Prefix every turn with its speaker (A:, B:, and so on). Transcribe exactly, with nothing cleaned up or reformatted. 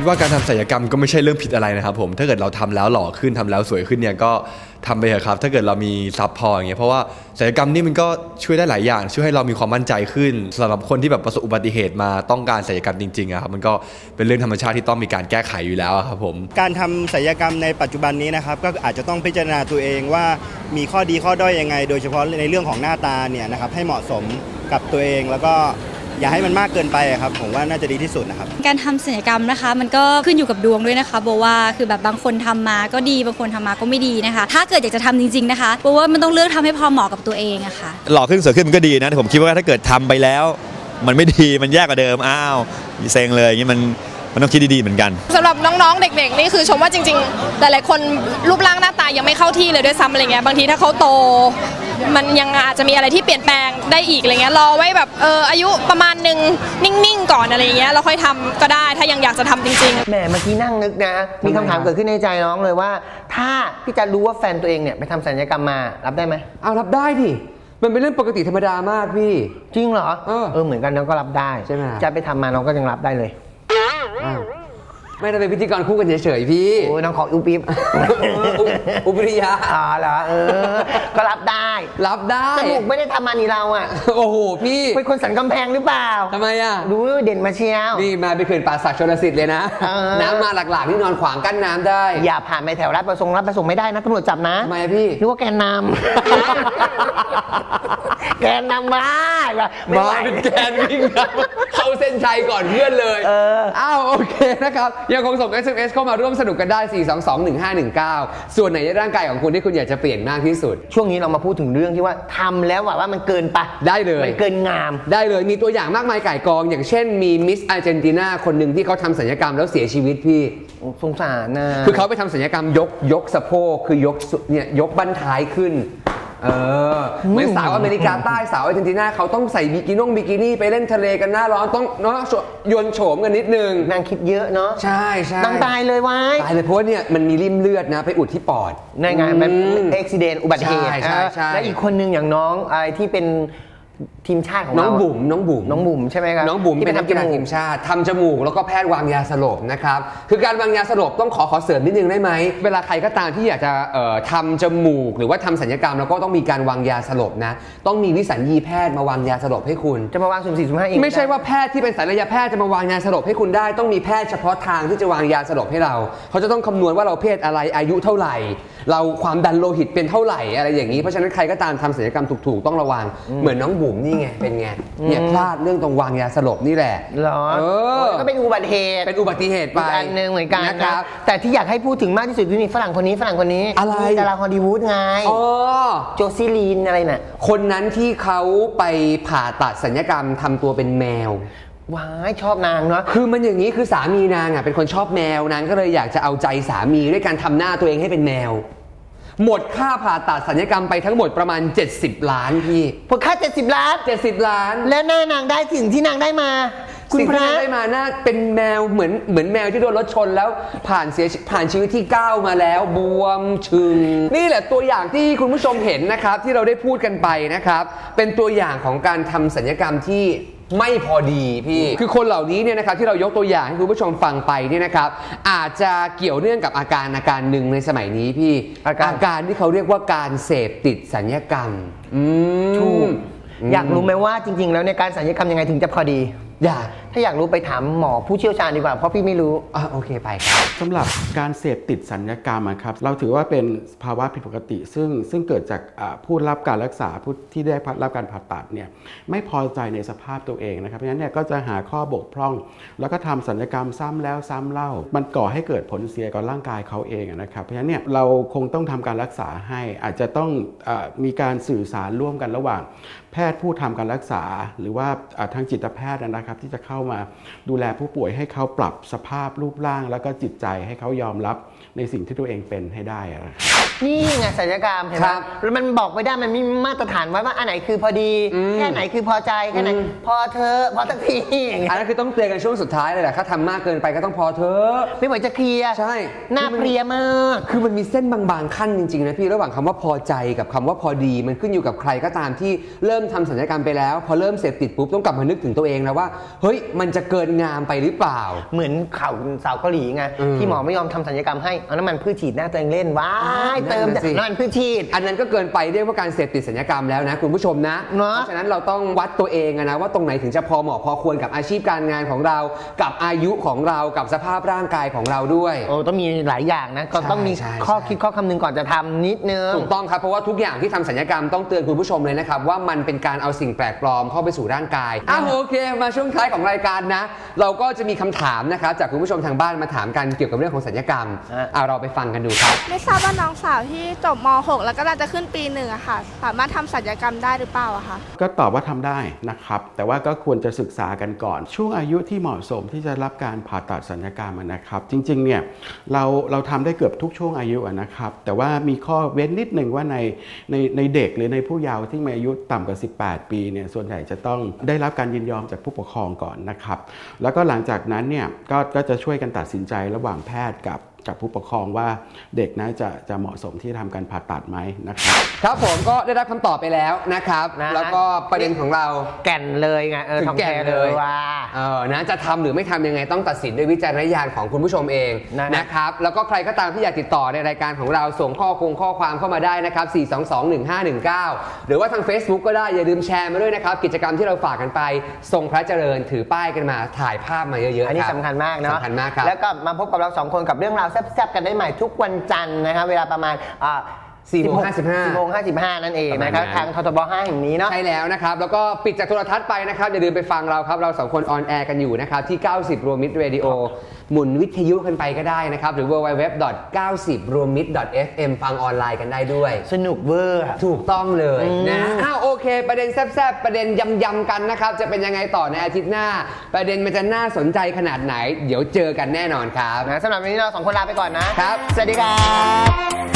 A: ดว่าการทำศัลยกรรมก็ไม่ใช่เรื่องผิดอะไรนะครับผมถ้าเกิดเราทำแล้วหล่อขึ้นทำแล้วสวยขึ้นเนี่ยก็ทำไปเถอะครับถ้าเกิดเรามีซับพออย่างเงี้ยเพราะว่าศัลยกรรมนี่มันก็ช่วยได้หลายอย่างช่วยให้เรามีความมั่นใจขึ้นสำหรับคนที่แบบประสบอุบัติเหตุมาต้องการศัลยกรรมจริงๆครับมันก็เป็นเรื่องธรรมชาติที่ต้องมีการแก้ไขอยู่แล้วครับผม
B: การทำศัลยกรรมในปัจจุบันนี้นะครับก็อาจจะต้องพิจารณาตัวเองว่ามีข้อดีข้อด้อยยังไงโดยเฉพาะในเรื่องของหน้าตาเนี่ยนะครับให้เหมาะสมกับตัวเองแล้วก็อย่าให้มันมากเกินไปครับผมว่าน่าจะดีที่สุดนะครับ
C: การทำศัลยกรรมนะคะมันก็ขึ้นอยู่กับดวงด้วยนะคะโบว่าคือแบบบางคนทำมาก็ดีบางคนทำมาก็ไม่ดีนะคะถ้าเกิดอยากจะทำจริงๆนะคะโบว่ามันต้องเลือกทำให้พอเหมาะกับตัวเองอะค่ะ
D: หล่อขึ้นสวยขึ้นมันก็ดีนะแต่ผมคิดว่าถ้าเกิดทำไปแล้วมันไม่ดีมันแย่กว่าเดิมอ้าวเซ็งเลยอย่างนี้มันมันต้องคิดดีๆเหมือนกัน
E: สำหรับน้องๆเด็กๆนี่คือชมว่าจริงๆหลายๆคนรูปร่างหน้าตายังไม่เข้าที่เลยด้วยซ้ำอะไรเงี้ยบางทีถ้าเขาโตมันยังอาจจะมีอะไรที่เปลี่ยนแปลงได้อีกอะไรเงี้ยรอไว้แบบเอออายุประมาณนึงนิ่งๆก่อนอะไรเงี้ยเราค่อยทำก็ได้ถ้ายังอยากจะทำจริงๆ
F: แหมเมื่อกี้นั่งนึกนะมีคำถามเกิดขึ้นในใจน้องเลยว่าถ้าพี่จะรู้ว่าแฟนตัวเองเนี่ยไปทำศัลยกรรมมารับได้ไหม
G: เอารับได้ดิมันเป็นเรื่องปกติธรรมดามากพี่
F: จริงเหรอเออเออเหมือนกันน้องก็รับได้
G: ใช่ไหม
F: จะไปทำมาน้องก็ยังรับได้เลย
G: ไม่ได้เป็นพิธีกรคู่กันเฉยๆพี่
F: โอ้ยน้องขออุบอิบ
G: อุบริยา
F: อ๋อเหรอเออก็รับได้
G: รับได้
F: จมูกไม่ได้ทำมานี่เราอ่ะ
G: โอ้โหพี่
F: เป็นคนสันกำแพงหรือเปล่า
G: ทำไมอ่ะ
F: รู้เด่นมาเชียว
G: นี่มาไปเขื่อนป่าสักชลสิทธิ์เลยนะน้ำมาหลักๆนี่นอนขวางกั้นน้ำได้
F: อย่าผ่านไปแถวรับประสงค์รับประสงค์ไม่ได้นะตำรวจจับนะ
G: ทำไมพี่
F: นึกว่าแกนนำแกนนำมา
G: มาเป็นแกนวิ่งเข้าเส้นชัยก่อนเพื่อนเลยอ้าวโอเคนะครับยังคงส่ง เอส เอ็ม เอส เข้ามาร่วมสนุกกันได้ สี่ สอง สอง หนึ่ง ห้า หนึ่ง เก้า ส่วนไหนในร่างกายของคุณที่คุณอยากจะเปลี่ยนมากที่สุด
F: ช่วงนี้เรามาพูดถึงเรื่องที่ว่าทำแล้วว่ามันเกินไป
G: ได้เลย
F: มันเกินงาม
G: ได้เลยมีตัวอย่างมากมายก่ายกองอย่างเช่นมีมิสอาร์เจนตินาคนหนึ่งที่เขาทำศัลยกรรมแล้วเสียชีวิตพี่
F: สงสารนะ
G: คือเขาไปทำศัลยกรรมยกยกสะโพกคือยกเนี่ยยกบั้นท้ายขึ้นเออเหมือนสาวอเมริกาใต้สาวอาร์เจนตินาเขาต้องใส่บิกิน่งบิกินี่ไปเล่นทะเลกันหน้าร้อนต้องเนาะโยนโฉมกันนิดนึง
F: นางคิดเยอะเนาะ
G: ใช่ใช่
F: นางตายเลยว้าย
G: ตายเลยเพราะว่าเนี่ยมันมีริ่มเลือดนะไปอุดที่ปอด
F: ในงานมันอุบิเหตุอุบัติเหตุและอีกคนนึงอย่างน้องอะไรที่เป็นทีมชาติของ
G: น้องบุ๋มน้องบุ๋ม
F: น้องบุ๋มใช่ไหมครับ
G: น้องบุ๋มเป็นนักกีฬาทีมชาติทำจมูกแล้วก็แพทย์วางยาสลบนะครับคือการวางยาสลบต้องขอขอเสริมนิดนึงได้ไหมเวลาใครก็ตามที่อยากจะเอ่อทำจมูกหรือว่าทำศัลยกรรมแล้วก็ต้องมีการวางยาสลบนะต้องมีวิสัญญีแพทย์มาวางยาสลบให้คุณ
F: จะมาวางสุ่มสี่สุ่มห้าเอง
G: ไม่ใช่ว่าแพทย์ที่เป็นศัลยแพทย์จะมาวางยาสลบให้คุณได้ต้องมีแพทย์เฉพาะทางที่จะวางยาสลบให้เราเขาจะต้องคำนวณว่าเราเพศอะไรอายุเท่าไหร่เราความดันโลหิตเป็นเท่าไหร่อะไรอย่างนี้เพราะฉะนั้นใครก็ตามทำศัลยกรรมถูกๆต้องระวังเหมือนน้องบุ๋มนี่ไงเป็นไงเนี่ยพลาดเรื่องตรงวางยาสลบนี่แหละ
F: เหรอเออก็เป็นอุบัติเหตุ
G: เป็นอุบัติเหตุไป
F: อันนึงเหมือนกันนะครับแต่ที่อยากให้พูดถึงมากที่สุดคือนี่ฝรั่งคนนี้ฝรั่งคนนี้
G: อะไร
F: ดาราฮอลลีวูดไง
G: อ๋อ
F: โจซิลีนอะไรน่ะ
G: คนนั้นที่เขาไปผ่าตัดศัลยกรรมทำตัวเป็นแมว
F: ว้ายชอบนางเนาะ
G: คือมันอย่างนี้คือสามีนางอ่ะเป็นคนชอบแมวนางก็เลยอยากจะเอาใจสามีด้วยการทำหน้าตัวเองให้เป็นแมวหมดค่าผ่าตัดศัลยกรรมไปทั้งหมดประมาณเจ็ดสิบล้านพี่
F: หมดค่าเจ็ดสิบล้าน
G: เจ็ดสิบล้าน
F: แล้วหน้านางได้สิ่งที่นางได้มา
G: สิ่งที่นางได้มาหน้าเป็นแมวเหมือนเหมือนแมวที่โดนรถชนแล้วผ่านเสียผ่านชีวิตที่ก้าวมาแล้วบวมชึงนี่แหละตัวอย่างที่คุณผู้ชมเห็นนะครับที่เราได้พูดกันไปนะครับเป็นตัวอย่างของการทำศัลยกรรมที่ไม่พอดีพี่คือคนเหล่านี้เนี่ยนะครับที่เรายกตัวอย่างให้คุณผู้ชมฟังไปเนี่ยนะครับอาจจะเกี่ยวเนื่องกับอาการอาการหนึ่งในสมัยนี้พี่อาการอาการที่เขาเรียกว่าการเสพติดศัลยกรรม
F: อืมถูกอยากรู้ไหมว่าจริงๆแล้วในการศัลยกรรมยังไงถึงจะพอดี
G: อยาก
F: ถ้าอยากรู้ไปถามหมอผู้เชี่ยวชาญดีกว่าเพราะพี่ไม่รู้
G: อ่ะโอเคไปครับ
H: สำหรับการเสพติดศัลยกรรมครับเราถือว่าเป็นภาวะผิดปกติซึ่งซึ่งเกิดจากผู้รับการรักษาผู้ที่ได้รับการผ่าตัดเนี่ยไม่พอใจในสภาพตัวเองนะครับเพราะฉะนั้นเนี่ยก็จะหาข้อบกพร่องแล้วก็ทำศัลยกรรมซ้ำแล้วซ้ำเล่ามันก่อให้เกิดผลเสียกับร่างกายเขาเองนะครับเพราะฉะนั้นเนี่ยเราคงต้องทำการรักษาให้อาจจะต้องมีการสื่อสารร่วมกันระหว่างแพทย์ผู้ทำการรักษาหรือว่าทางจิตแพทย์นะครับที่จะเข้ามาดูแลผู้ป่วยให้เขาปรับสภาพรูปร่างแล้วก็จิตใจให้เขายอมรับในสิ่งที่ตัวเองเป็นให้ได้นะครับ
F: นี่ไงศัลยกรรมเห็นไหมแล้วมันบอกไม่ได้มันมีมาตรฐานไว้ว่าอันไหนคือพอดีแค่ไหนคือพอใจแค่ไหนพอเธอพอสักที
G: อันนั้นคือต้องเตือนกันช่วงสุดท้ายเลยแหละถ้าทำมากเกินไปก็ต้องพอเธอ
F: ไม่ไหวจะเคลียร์
G: ใช่
F: หน้าเพลียมาก
G: คือมันมีเส้นบางๆขั้นจริงๆนะพี่ระหว่างคำว่าพอใจกับคำว่าพอดีมันขึ้นอยู่กับใครก็ตามที่เริ่มทำศัลยกรรมไปแล้วพอเริ่มเสพติดปุ๊บต้องกลับมานึกถึงตัวเองนะว่าเฮ้ยมันจะเกินงามไปหรือเปล่า
F: เหมือนข่าวสาวเกาหลีไงที่หมอไม่ยอมทำศัลยกรรมให้เอาน้ำมันพืชฉีดหน้าตัวเองเล่นว้ายเติมน้ำมันพืชฉีด
G: อันนั้นก็เกินไปเรียกว่าการเสพติดศัลยกรรมแล้วนะคุณผู้ชมนะเพราะฉะนั้นเราต้องวัดตัวเองนะว่าตรงไหนถึงจะพอเหมาะพอควรกับอาชีพการงานของเรากับอายุของเรากับสภาพร่างกายของเราด้วย
F: โอ้ต้องมีหลายอย่างนะก็ต้องมีข้อคิดข้อคำนึงก่อนจะทำนิดนึง
G: ถูกต้องครับเพราะว่าทุกอย่างที่ทำศัลยกรรมต้องเตือนคุณผู้ชมเลยนะครับว่ามันเป็นการเอาสิ่งแปลกปลอมเข้าไปสู่ร่างกายอ่ะโอเคมาช่วงท้ายของรายการนะเราก็จะมีคำถามนะครับจากคุณผู้ชมทางบ้านมาถามกันเกี่ยวกับเรื่องของศัลยกรรมเอาเราไปฟังกันดูครับ
I: ไม่ทราบว่าน้องสาวที่จบม หก แล้วก็จะขึ้นปีหนึ่งอะค่ะสามารถทำศัลยกรรมได้หรือเปล่าอะคะ
H: ก็ตอบว่าทำได้นะครับแต่ว่าก็ควรจะศึกษากันก่อนช่วงอายุที่เหมาะสมที่จะรับการผ่าตัดศัลยกรรมนะครับจริงๆเนี่ยเราเราทำได้เกือบทุกช่วงอายุนะครับแต่ว่ามีข้อเว้นนิดหนึ่งว่าในในในเด็กหรือในผู้เยาว์ที่มีอายุต่ำกว่าสิบแปดปีเนี่ยส่วนใหญ่จะต้องได้รับการยินยอมจากผู้ปกครองก่อนนะครับแล้วก็หลังจากนั้นเนี่ยก็ก็จะช่วยกันตัดสินใจระหว่างแพทย์กับกับผู้ปกครองว่าเด็กน่าจะจะเหมาะสมที่ทำการผ่าตัดไหมนะครับ
G: ครับผมก็ได้รับคำตอบไปแล้วนะครับนะแล้วก็ประเด็นของเรา
F: แก่นเลยไงเออ
G: ถึงแก่นเลย
F: ว่า
G: เออนะจะทำหรือไม่ทำยังไงต้องตัดสินด้วยวิจารณญาณของคุณผู้ชมเองนะครับแล้วก็ใครก็ตามที่อยากติดต่อในรายการของเราส่งข้อคงข้อความเข้ามาได้นะครับสี่ สอง สอง หนึ่ง ห้า หนึ่ง เก้าหรือว่าทาง Facebook ก็ได้อย่าลืมแชร์มาด้วยนะครับกิจกรรมที่เราฝากกันไปทรงพระเจริญถือป้ายกันมาถ่ายภาพมาเยอะๆ
F: อันนี้สำคัญมากเนาะ
G: สำคัญมากครับ
F: แล้วก็มาพบกับเราสองคนกับเรื่องราวแซ่บๆกันได้ใหม่ทุกวันจันทร์นะครับเวลาประมาณ
G: สี่โมงห้าสิบห้า
F: สี่โมงห้าสิบห้านั่นเองนะครับทางททบห้าแห่งนี้เนาะ
G: ใช่แล้วนะครับแล้วก็ปิดจากโทรทัศน์ไปนะครับอย่าลืมไปฟังเราครับเราสองคนออนแอร์กันอยู่นะครับที่เก้าสิบรวมมิตรเรดิโอหมุนวิทยุกันไปก็ได้นะครับหรือ ดับเบิลยู ดับเบิลยู ดับเบิลยู ดอท เก้าสิบ รวมมิตร ดอท เอฟ เอ็ม ฟังออนไลน์กันได้ด้วย
F: สนุกเวอร์
G: ถูกต้องเลยนะอ้าวโอเคประเด็นแซ่บๆประเด็นยำๆกันนะครับจะเป็นยังไงต่อในอาทิตย์หน้าประเด็นมันจะน่าสนใจขนาดไหนเดี๋ยวเจอกันแน่นอนครับ
F: นะสำหรับวันนี้เราสองคนลาไปก่อนนะครับสวัสดีครับ